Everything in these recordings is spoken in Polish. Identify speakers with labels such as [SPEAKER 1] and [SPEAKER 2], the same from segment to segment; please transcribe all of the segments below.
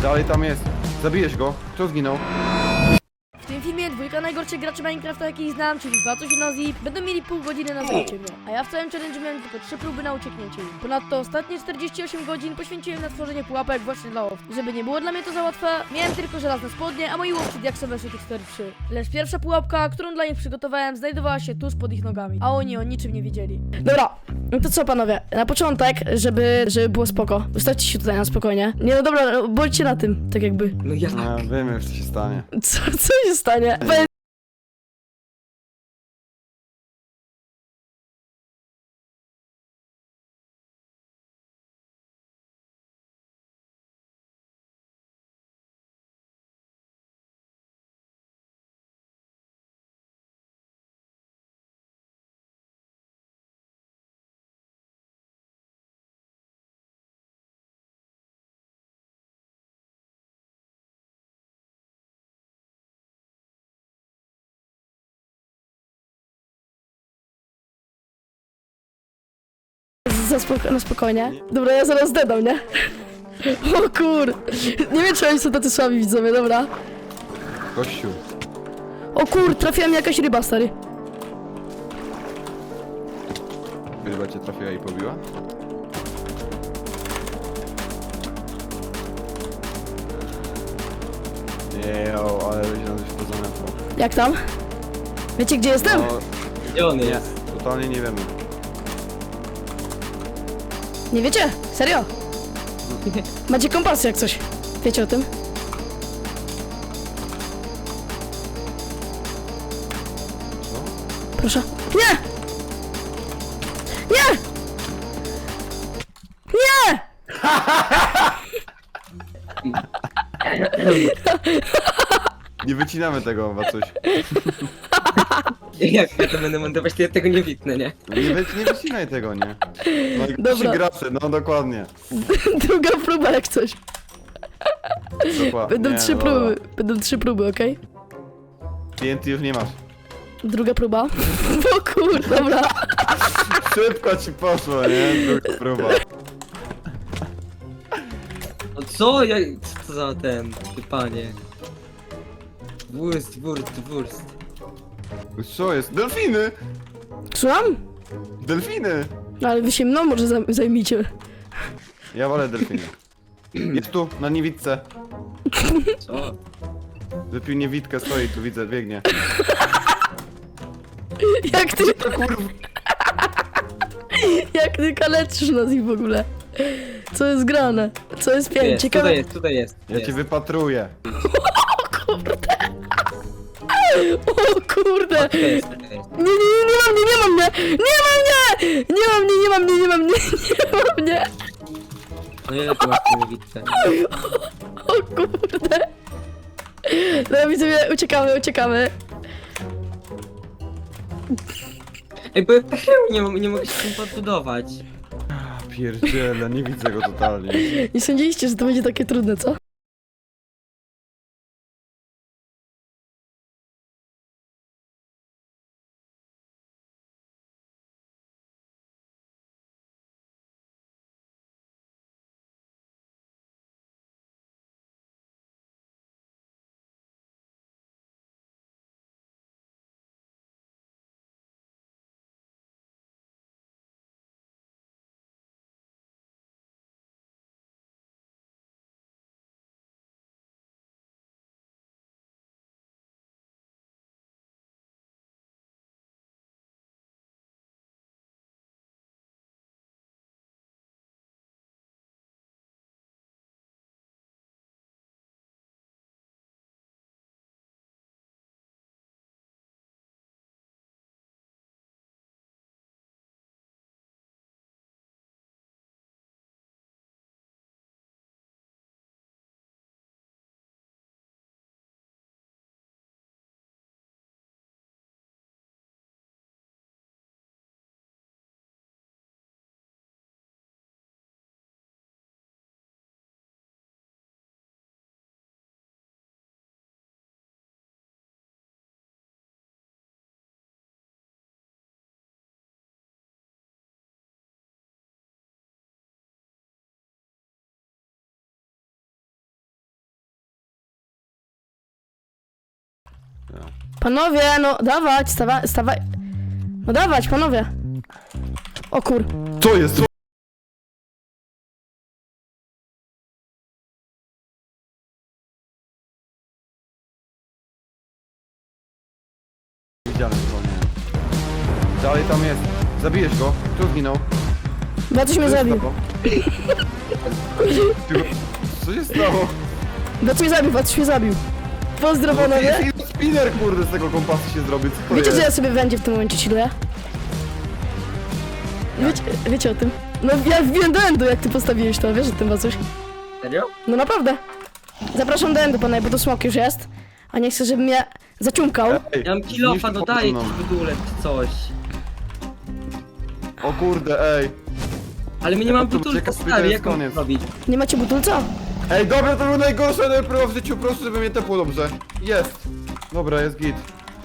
[SPEAKER 1] Dalej tam jest. Zabijesz go. Kto zginął?
[SPEAKER 2] W tym filmie dwójka najgorszych graczy Minecrafta jakich znam, czyli Wacuś i Nozi, będą mieli pół godziny na zabicie mnie, a ja w całym challenge miałem tylko 3 próby na ucieknięcie im. Ponadto ostatnie 48 godzin poświęciłem na tworzenie pułapek właśnie dla owc. Żeby nie było dla mnie to za łatwe, miałem tylko żelazne spodnie, a moi łowcy diaksowe są tych 4-3. Lecz pierwsza pułapka, którą dla nich przygotowałem, znajdowała się tuż pod ich nogami, a oni o niczym nie wiedzieli. Dobra, no to co panowie, na początek, żeby było spoko, ustawcie się tutaj na spokojnie. Nie no dobra, no, bądźcie na tym, tak jakby.
[SPEAKER 3] No ja...
[SPEAKER 1] No, wiemy już co się stanie.
[SPEAKER 2] Co się stanie? Na spokojnie. Dobra, ja zaraz dedam, nie? O kur... Nie wiem, czy oni są tacy słabi widzowie, dobra.
[SPEAKER 1] Kościół.
[SPEAKER 2] O kur, trafiła mi jakaś ryba, stary.
[SPEAKER 1] Ryba cię trafiła i pobiła? Jejo, ale ludzie nam coś pozamiatło.
[SPEAKER 2] Jak tam? Wiecie, gdzie jestem?
[SPEAKER 1] No,
[SPEAKER 3] Gdzie on
[SPEAKER 1] nie,
[SPEAKER 3] jest?
[SPEAKER 1] totalnie nie wiemy.
[SPEAKER 2] Nie wiecie? Serio? Macie kompas jak coś. Wiecie o tym?
[SPEAKER 1] Co?
[SPEAKER 2] Proszę. Nie! Nie! Nie!
[SPEAKER 1] Nie wycinamy tego, coś.
[SPEAKER 3] Jak ja to będę montować, to ja tego nie witnę, nie?
[SPEAKER 1] Nie wycinaj tego, nie. No i
[SPEAKER 2] Dobra.
[SPEAKER 1] trzy gracze, no dokładnie.
[SPEAKER 2] Druga próba jak coś.
[SPEAKER 1] Dokładnie.
[SPEAKER 2] Będą
[SPEAKER 1] Nie,
[SPEAKER 2] 3
[SPEAKER 1] no
[SPEAKER 2] próby.
[SPEAKER 1] dobra.
[SPEAKER 2] Będą 3 próby, okej?
[SPEAKER 1] TNT już nie masz.
[SPEAKER 2] Druga próba. O kur, dobra.
[SPEAKER 1] Szybko ci poszło, nie? Druga próba.
[SPEAKER 3] No co? Co to za ten... Ty panie? Wurst.
[SPEAKER 1] Co jest? Delfiny!
[SPEAKER 2] Słucham?
[SPEAKER 1] Delfiny!
[SPEAKER 2] No ale wy się mną może zajmijcie.
[SPEAKER 1] Ja wolę delfiny. Jest tu, na niewidce.
[SPEAKER 3] Co?
[SPEAKER 1] Wypił niewidkę, stoi tu, widzę, biegnie.
[SPEAKER 2] Jak ty,
[SPEAKER 1] To kurwa.
[SPEAKER 2] jak ty kaleczysz nas ich w ogóle? Co jest grane? Co jest piękne?
[SPEAKER 3] Jest,
[SPEAKER 2] Ciekawe.
[SPEAKER 3] tutaj jest.
[SPEAKER 1] Ja cię wypatruję.
[SPEAKER 2] O kurde!
[SPEAKER 3] Tutaj jest.
[SPEAKER 2] Nie mam mnie! Nie mam mnie! Nie mam mnie! Nie mam mnie!
[SPEAKER 3] No ile tu masz tę niewidkę?
[SPEAKER 2] O kurde! Dobra widzowie, uciekamy.
[SPEAKER 3] Ej, bo ja nie mogę się tym podbudować.
[SPEAKER 1] Pierdziele, nie widzę go totalnie.
[SPEAKER 2] Nie sądziliście, że to będzie takie trudne, co? Panowie, no dawać, stawaj. No dawać, panowie. O kur...
[SPEAKER 1] Co jest? Co? Widziałem go, nie. Dalej tam jest. Zabijesz go. Kto zginął?
[SPEAKER 2] Bo coś mnie zabił.
[SPEAKER 1] Co się stało?
[SPEAKER 2] Bo coś mnie zabił. Pozdro, panowie.
[SPEAKER 1] Spinner, kurde, z tego kompasu się zrobił. Co to
[SPEAKER 2] Wiecie,
[SPEAKER 1] jest?
[SPEAKER 2] że ja sobie będzie w tym momencie chilluję? Wiecie o tym? No ja wbiłem do endu, jak ty postawiłeś to, wiesz o tym, coś?
[SPEAKER 3] Serio?
[SPEAKER 2] No naprawdę. Zapraszam do endu, panowie, bo to smok już jest. A nie chcę, żeby mnie zaciumkał.
[SPEAKER 1] Ej,
[SPEAKER 3] Ja mam kilofa,
[SPEAKER 1] zniszczył
[SPEAKER 3] dodaję
[SPEAKER 1] mną.
[SPEAKER 3] ci w ogóle coś.
[SPEAKER 1] O kurde, ej.
[SPEAKER 3] Ale my nie
[SPEAKER 1] Ja
[SPEAKER 3] mam
[SPEAKER 1] to
[SPEAKER 3] butulka,
[SPEAKER 1] uciekam,
[SPEAKER 3] stary,
[SPEAKER 1] to
[SPEAKER 3] jak
[SPEAKER 1] jest
[SPEAKER 3] mam
[SPEAKER 1] koniec.
[SPEAKER 3] zrobić?
[SPEAKER 2] Nie macie butulca?
[SPEAKER 1] Ej, dobra, to był najgorsze najpierw w życiu, proszę, żeby mnie tepło dobrze. Jest. Dobra, jest git.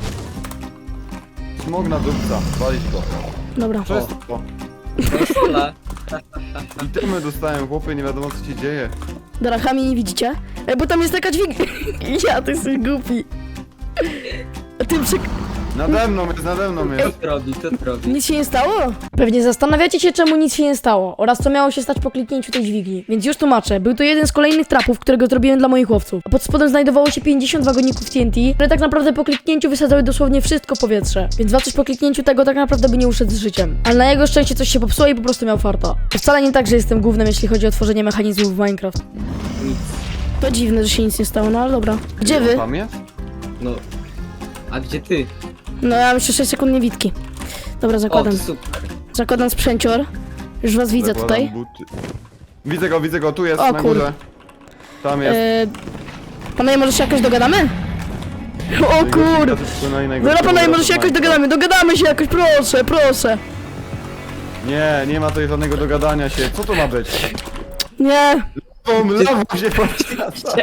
[SPEAKER 1] Smog na dupca, walić go.
[SPEAKER 2] Dobra.
[SPEAKER 1] Co jest to?
[SPEAKER 3] Konsola.
[SPEAKER 1] Itemy dostałem, chłopie, nie wiadomo co się dzieje.
[SPEAKER 2] Darachami nie widzicie? Bo tam jest taka dźwig... Ja, ty jesteś głupi. A ty
[SPEAKER 1] Nade mną jest, nade mną
[SPEAKER 3] Co
[SPEAKER 1] jest.
[SPEAKER 3] to robi, co to robi?
[SPEAKER 2] Nic się nie stało? Pewnie zastanawiacie się, czemu nic się nie stało oraz co miało się stać po kliknięciu tej dźwigni. Więc już tłumaczę. Był to jeden z kolejnych trapów, którego zrobiłem dla moich chłopców. A pod spodem znajdowało się 50 wagoników TNT, które tak naprawdę po kliknięciu wysadzały dosłownie wszystko w powietrze. Więc Wacuś po kliknięciu tego tak naprawdę by nie uszedł z życiem. Ale na jego szczęście coś się popsuło i po prostu miał farta. To wcale nie tak, że jestem głównym, jeśli chodzi o tworzenie mechanizmów w Minecraft.
[SPEAKER 3] Nic.
[SPEAKER 2] To dziwne, że się nic nie stało, no ale dobra. Gdzie wy?
[SPEAKER 1] Tam jest?
[SPEAKER 3] No. A gdzie ty?
[SPEAKER 2] No ja mam jeszcze 6 sekund niewidki. Dobra,
[SPEAKER 3] O,
[SPEAKER 2] zakładam.
[SPEAKER 3] to super.
[SPEAKER 2] Zakładam sprzęcior. Już was widzę
[SPEAKER 1] Zakładam
[SPEAKER 2] tutaj.
[SPEAKER 1] buty. Widzę go, tu jest,
[SPEAKER 2] O,
[SPEAKER 1] na
[SPEAKER 2] kur-
[SPEAKER 1] górze. Tam jest.
[SPEAKER 2] Panowie, może się jakoś dogadamy? O kur... Dobra, panowie, może się jakoś dogadamy. Dogadamy się jakoś, proszę, proszę.
[SPEAKER 1] Nie, nie ma tutaj żadnego dogadania się. Co to ma być?
[SPEAKER 2] Nie.
[SPEAKER 1] Lawą się podświadcza.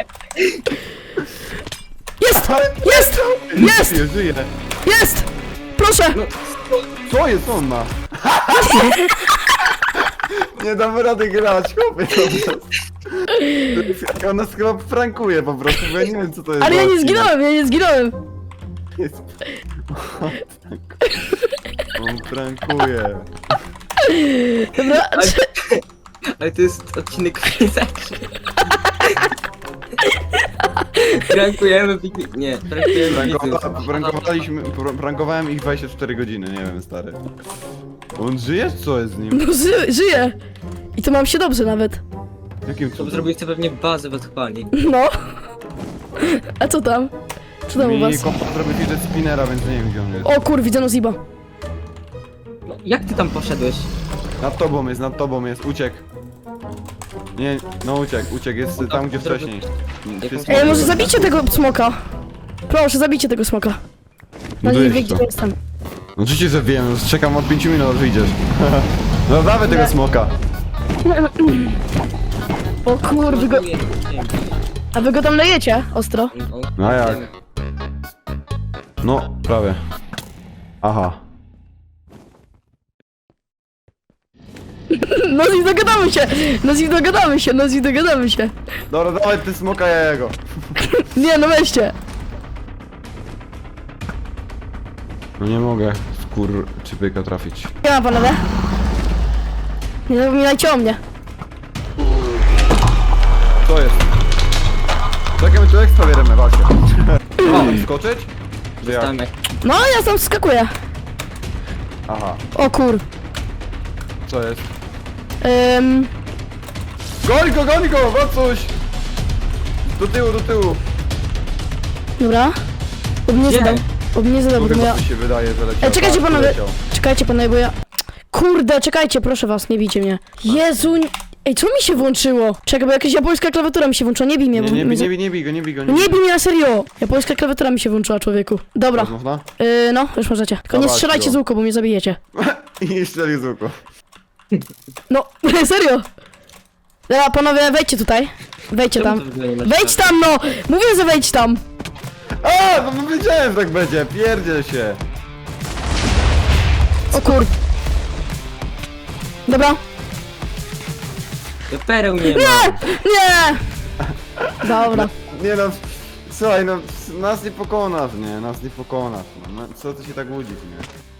[SPEAKER 2] Jest! Jest! Jest!
[SPEAKER 1] Żyje.
[SPEAKER 2] Jest! Proszę!
[SPEAKER 3] No,
[SPEAKER 1] Co jest on ma? Nie damy rady grać, chłopie. On nas chyba prankuje po prostu, bo ja nie wiem co to jest.
[SPEAKER 2] Ale
[SPEAKER 1] za
[SPEAKER 2] ja nie
[SPEAKER 1] odcinek.
[SPEAKER 2] zginąłem, ja nie zginąłem!
[SPEAKER 1] Jest... On prankuje.
[SPEAKER 2] Dobra,
[SPEAKER 3] ale to jest odcinek Quizakrzy. Prankujemy piknik. Nie, prankujemy widzów.
[SPEAKER 1] Prankowałem ich 24 godziny, nie wiem, stary. On żyje, czy co jest z nim?
[SPEAKER 2] no żyję. I to mam się dobrze nawet.
[SPEAKER 1] Jakim
[SPEAKER 3] To
[SPEAKER 1] cudem?
[SPEAKER 3] zrobiliście pewnie bazę w odchwali.
[SPEAKER 2] No. A co tam? Co tam u
[SPEAKER 1] Mi
[SPEAKER 2] was?
[SPEAKER 1] kompa zrobił fidget spinnera, więc nie wiem gdzie on jest.
[SPEAKER 2] O kur, widzę Noziba.
[SPEAKER 3] No, jak ty tam poszedłeś?
[SPEAKER 1] Nad tobą jest, uciekł. Nie, no uciekł, jest tam gdzie wcześniej. Wszystko-
[SPEAKER 2] Ej, może zabijcie tego smoka. Proszę, zabijcie tego smoka. No nie
[SPEAKER 1] Dojedź
[SPEAKER 2] wie, gdzie
[SPEAKER 1] to.
[SPEAKER 2] jestem.
[SPEAKER 1] No oczywiście, że wiem, czekam od 5 minut, aż wyjdziesz. No dawaj tego
[SPEAKER 2] Nie.
[SPEAKER 1] smoka.
[SPEAKER 2] O kur, a wy go tam lejecie? Ostro.
[SPEAKER 1] No jak? No, prawie. Aha.
[SPEAKER 2] Noziv, dogadamy się! Noziv, dogadamy się!
[SPEAKER 1] Dobra, dawaj ty smoka, ja jego.
[SPEAKER 2] Nie, no weźcie!
[SPEAKER 1] No nie mogę, czy pyka trafić.
[SPEAKER 2] Nie ma panowie. Nie zapominajcie o mnie.
[SPEAKER 1] Co jest? Czekaj, my tu ekstra bierzemy, walcie. O, skoczyć? Czy jak?
[SPEAKER 3] Tam jak
[SPEAKER 2] No, ja tam skakuję.
[SPEAKER 1] Aha,
[SPEAKER 2] O kur.
[SPEAKER 1] co jest?
[SPEAKER 2] Ym,
[SPEAKER 1] Goń go, coś! Do tyłu.
[SPEAKER 2] dobra. Bo mnie zadał,
[SPEAKER 1] Tu
[SPEAKER 2] bo
[SPEAKER 1] chyba
[SPEAKER 2] ja...
[SPEAKER 1] mi się wydaje, że leciał.
[SPEAKER 2] Czekajcie
[SPEAKER 1] Tak,
[SPEAKER 2] panowie,
[SPEAKER 1] leciał.
[SPEAKER 2] czekajcie panowie, bo ja... Kurde, czekajcie, proszę was, nie bijcie mnie. Jezu, ej, co mi się włączyło? Czekaj, bo jakaś japońska klawiatura mi się włączyła, nie bij mnie, bo...
[SPEAKER 1] Nie
[SPEAKER 2] mnie za-
[SPEAKER 1] bij go.
[SPEAKER 2] Nie bij mnie na serio! Japońska klawiatura mi się włączyła, człowieku. Dobra,
[SPEAKER 1] Można?
[SPEAKER 2] no, już możecie. Tylko nie
[SPEAKER 1] Dawajcie
[SPEAKER 2] strzelajcie
[SPEAKER 1] go.
[SPEAKER 2] z łuku, bo mnie zabijecie.
[SPEAKER 1] I strzeli z łuku.
[SPEAKER 2] No, serio! Dobra, panowie, wejdźcie tutaj. Wejdźcie
[SPEAKER 3] Czemu
[SPEAKER 2] tam.
[SPEAKER 3] to w ogóle nie masz
[SPEAKER 2] Wejdź tam, no! Mówię, że wejdź tam!
[SPEAKER 1] A, no wiedziałem, że tak będzie, pierdziel się.
[SPEAKER 2] O kur... Dobra.
[SPEAKER 3] Ja pereł nie ma.
[SPEAKER 2] Nie! Dobra.
[SPEAKER 1] Nie no, słuchaj, no nas nie pokonasz, nie? Nas nie pokonasz, no. No, co ty się tak łudzisz, nie?